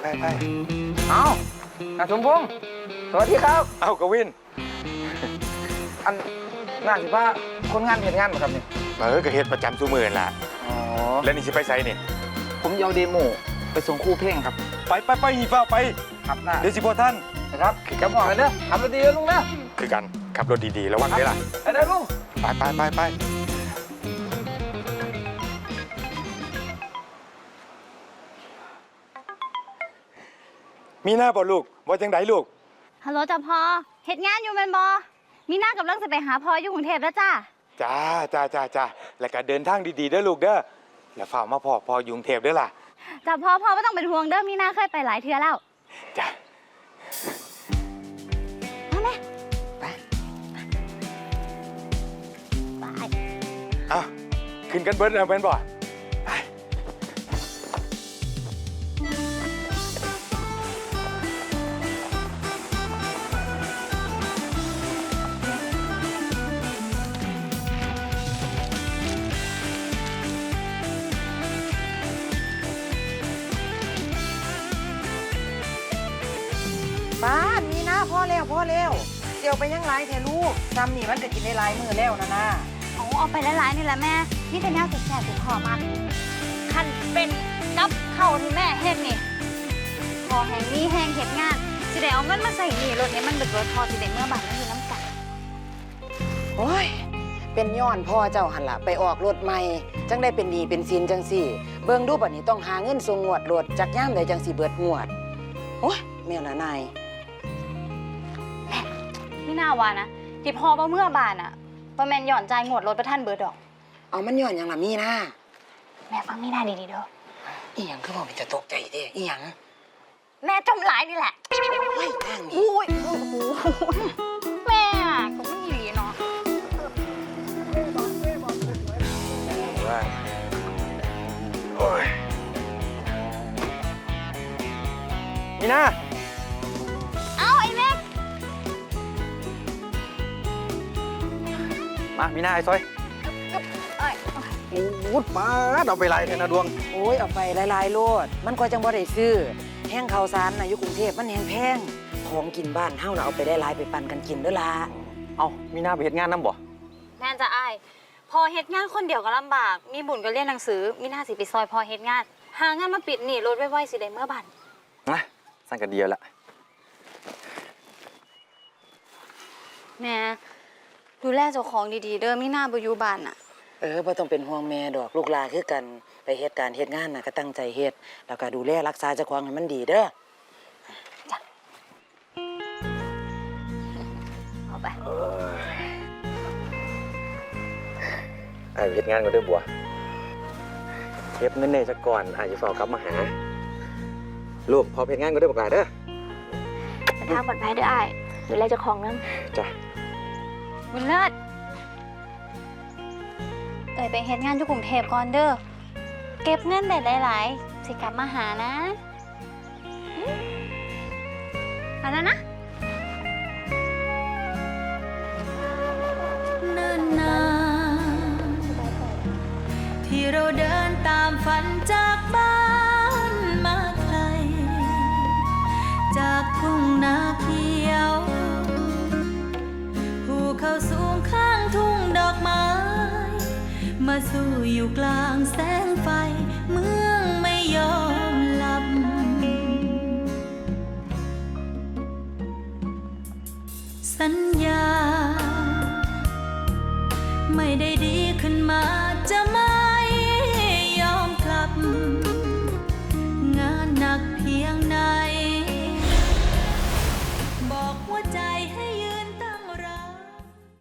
ไปเอาสมพงษ์สวัสดีครับเอากวินอันงานสิว่าคนงานเห็นงานเหมือนกันนี่ก็เฮ็ดประจำซุมื้อนั่นล่ะอ๋อแล้วนี่สิไปไสนี่ผมจะเอาเดโมไปส่งครู่เพลงครับไปหีฟ้าไปครับหน้าเดี๋ยวสิบ่ทันนะครับจะบอกเลยเด้อทำดีๆลุงนะคือกันขับรถดีๆระวังเด้อล่ะไปเด้อลุงไปมีหน้าบ่ลูกว่าจังไดลูกฮัลโหลจ้าพ่อเฮ็ดงานอยู่แม่นบ่มีหน้ากำลังจะไปหาพ่ออยู่กรุงเทพแล้วจ้าจ้าแล้วก็เดินทางดีๆเด้อลูกเด้อแล้วฝ่ากมาพออยู่กรุงเทพเด้อล่ะจ้าพ่อไม่ต้องเป็นห่วงเด้อมีหน้าเคยไปหลายเทื่อแล้วจ้ามาไหมไปไปเอาขึ้นกันเบิดเอาเป็นบ่ไปบ้านมีหน้าพ่อแล้วเดี๋ยวไปยังไรแทลูกซ้ำนี่มันก็กินได้หลายมือแล้วนะเอาไปหลายๆนี่แหละแม่นี่แต่แนวแสบๆถึงพ่อมากคันเป็นกับเข้าวที่แม่เฮ็ดนี่พอแห่งนี้แห่งเฮ็ดงานสิได้เอาเงินมาใส่หนี้รถนี้มันเบิดรถพอสิได้เมื่อบาทมันอยู่น้ำกันโอ้ยเป็นย้อนพ่อเจ้าหันละไปออกรถใหม่จังได้เป็นดีเป็นสินจังสี่ เบิ่งดูบัดนี้ต้องหาเงินส่งงวดรถจากย่ามใดจังสี่เบิดงวดโอ้ยแม่ละนายนี่น่าว่านะที่พ่อบ่เมื่อบานอ่ะบ่แม่นหย่อนใจงวดรถประท่านเบิดดอกเอามันย้อนหยังล่ะมีนะแม่ฟังนี่น่าดีๆเด้ออีหยังคือบ่มีจะตกใจเด้อีหยังแม่จมหลายนี่แหละเฮ้ยทางนี้อุ้ยแม่ก็ไม่ดีเนาะว่าโอ้ยมีหน้าเอาไอ้แม็กมามีหน้าไอ้ซอยเอ้ยโอ้ป้าเอาไปไรเนี่ยนะดวงโอ้ยเอาไปหลายๆโลดมันก็จังบ่ได้ซื้อแห้งข้าวสารน่ะอยู่กรุงเทพมันแห้งแพงของกินบ้านเฮาน่ะเอาไปได้หลายไปปั่นกันกินเด้อล่ะเอามีหน้าไปเฮ็ดงานน้ำบ่แม่จะอายพอเฮ็ดงานคนเดียวก็ลำบาก มีบุญก็เรียนหนังสือ มีหน้าสิไปซอยพอเฮ็ดงาน หางานมาปิดหนีรถไว้ๆสิได้เมื่อบันนะสั่งกันเดียวละแม่ดูแลเจ้าของดีๆเด้อมีหน้าบ่อยู่บ้านน่ะบ่ต้องเป็นห่วงแม่ดอกลูกหลานคือกันไปเฮ็ดการเฮ็ดงานน่ะก็ตั้งใจเฮ็ดแล้วก็ดูแลรักษาเจ้าของให้มันดีเด้อเอาไปไอ้เฮ็ดงานก็ได้บัวเก็บเงินในซะก่อนอาจจะฝากกลับมาหาลูกพอเฮ็ดงานก็ได้บอกหลายเด้อแต่ทางปลอดภัยเด้ออ้ายดูแลเจ้าของนำจ้ะบุญเลิศไปเฮ็ดงานอยู่กรุงเทพก่อนเด้อเก็บเงินได้หลายๆสิกลับมาหานะไปแล้วนะเนิ่นนานที่เราเดินตามฝันจากบ้านมาไกล จากทุ่งนาเขียวภูเขาสูงข้างทุ่งดอกไม้มาสู่อยู่กลางแสงไฟเมืองไม่ยอมหลับสัญญาไม่ได้ดีขึ้นมาจะไม่